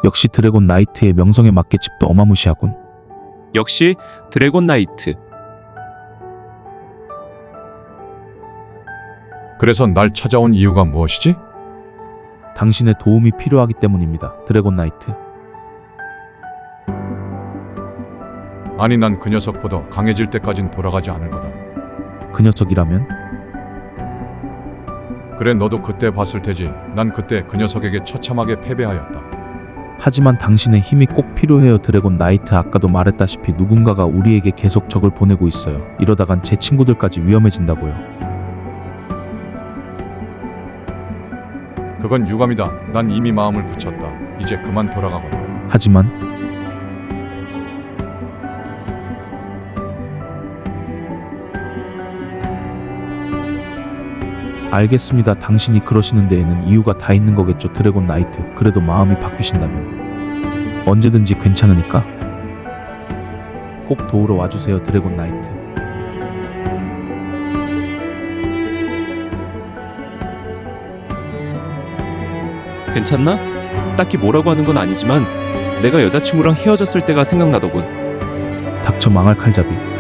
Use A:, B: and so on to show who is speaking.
A: 역시 드래곤 나이트의 명성에 맞게 집도 어마무시하군.
B: 역시 드래곤 나이트.
C: 그래서 날 찾아온 이유가 무엇이지?
A: 당신의 도움이 필요하기 때문입니다. 드래곤 나이트.
C: 아니 난 그 녀석보다 강해질 때까진 돌아가지 않을 거다.
A: 그 녀석이라면?
C: 그래 너도 그때 봤을 테지. 난 그때 그 녀석에게 처참하게 패배하였다.
A: 하지만 당신의 힘이 꼭 필요해요. 드래곤 나이트. 아까도 말했다시피 누군가가 우리에게 계속 적을 보내고 있어요. 이러다간 제 친구들까지 위험해진다고요.
C: 그건 유감이다. 난 이미 마음을 굳혔다. 이제 그만 돌아가거라.
A: 하지만 알겠습니다. 당신이 그러시는 데에는 이유가 다 있는 거겠죠. 드래곤 나이트. 그래도 마음이 바뀌신다면 언제든지 괜찮으니까 꼭 도우러 와주세요. 드래곤 나이트.
B: 괜찮나? 딱히 뭐라고 하는 건 아니지만 내가 여자친구랑 헤어졌을 때가 생각나더군.
A: 닥쳐 망할 칼잡이.